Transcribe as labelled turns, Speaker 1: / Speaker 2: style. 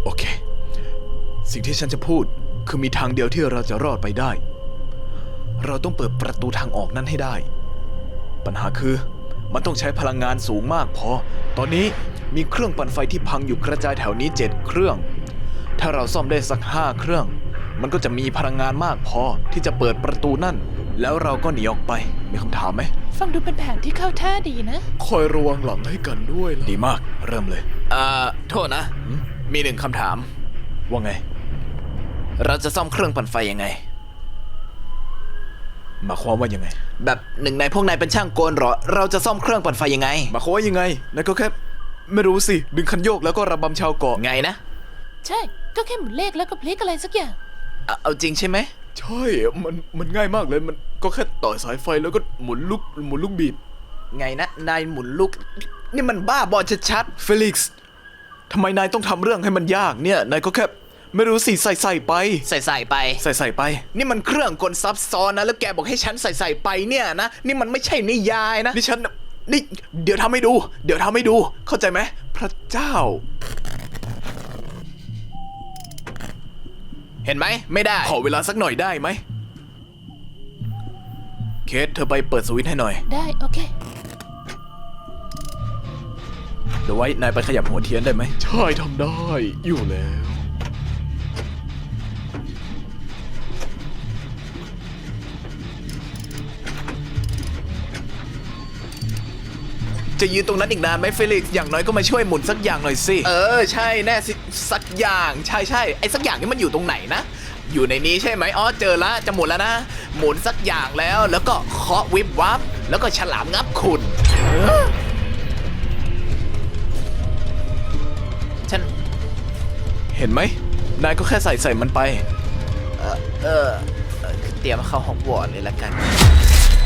Speaker 1: โอเคสิ่งที่ฉันจะพูดคือมีทางเดียวที่เราจะรอดไปได้เราต้องเปิดประตูทางออกนั้นให้ได้ปัญหาคือมันต้องใช้พลังงานสูงมากพอตอนนี้มีเครื่องปั่นไฟที่พังอยู่กระจายแถวนี้7เครื่องถ้าเราซ่อมได้สัก5เครื่องมันก็จะมีพลังงานมากพอที่จะเปิดประตูนั่นแล้วเราก็หนีออกไปมีคำถามไหม
Speaker 2: ฟังดูเป็นแผนที่เข้าท่าดีนะ
Speaker 1: คอยระวังหลังให้กันด้วยล่ะดีมากเริ่มเลย
Speaker 3: โทษนะมีหนึ่งคำถาม
Speaker 1: ว่าไง
Speaker 3: เราจะซ่อมเครื่องปั่นไฟยังไง
Speaker 1: หมายความว่ายังไง
Speaker 3: แบบหนึ่งในพวกนายเป็นช่างกลเหรอเราจะซ่อมเครื่องปั่นไฟยังไง
Speaker 1: หมายความว่ายังไงนายก็แค่ไม่รู้สิดึงคันโยกแล้วก็ระบำชาวเกาะ
Speaker 3: ไงนะ
Speaker 2: ใช่ก็แค่หมุนเลขแล้วก็พลิกอะไรสักอย่าง
Speaker 3: เอาจริงใช่ไหม
Speaker 1: ใช่มันง่ายมากเลยมันก็แค่ต่อสายไฟแล้วก็หมุนลูกบีบ
Speaker 3: ไงนะนายหมุนลูกนี่มันบ้าบอชัด
Speaker 1: เฟลิกซ์ทำไมนายต้องทำเรื่องให้มันยากเนี่ยนายก็แค่ไม่รู้สิใส่ไป
Speaker 3: ใส่ไปนี่มันเครื่องกลซับซ้อนนะแล้วแกบอกให้ฉันใส่ไปเนี่ยนะนี่มันไม่ใช่นิยายนะ
Speaker 1: นี่เดี๋ยวทำให้ดูเข้าใจไหมพระเจ้า
Speaker 3: เห็นไหมไม่ได้
Speaker 1: ขอเวลาสักหน่อยได้ไหมเคทเธอไปเปิดสวิตช์ให้หน่อย
Speaker 2: ได้โอเค
Speaker 1: เดี๋ยวไว้นายไปขยับหัวเทียนได้ไหมใช่ทำได้อยู่แล้ว
Speaker 3: จะยืนตรงนั้นอีกนานไหมเฟลิกซ์อย่างน้อยก็มาช่วยหมุนสักอย่างหน่อยสิใช่แน่สิสักอย่างใช่ไอ้สักอย่างนี้มันอยู่ตรงไหนนะอยู่ในนี้ใช่ไหมอ๋อเจอแล้วจะหมุนแล้วนะหมุนสักอย่างแล้วก็เคาะวิบวับแล้วก็ฉลามงับคุณฉัน
Speaker 1: เห็นไหมนายก็แค่ใส่มันไป
Speaker 3: เตรียมเข้าฮอกวอตส์เลยละกัน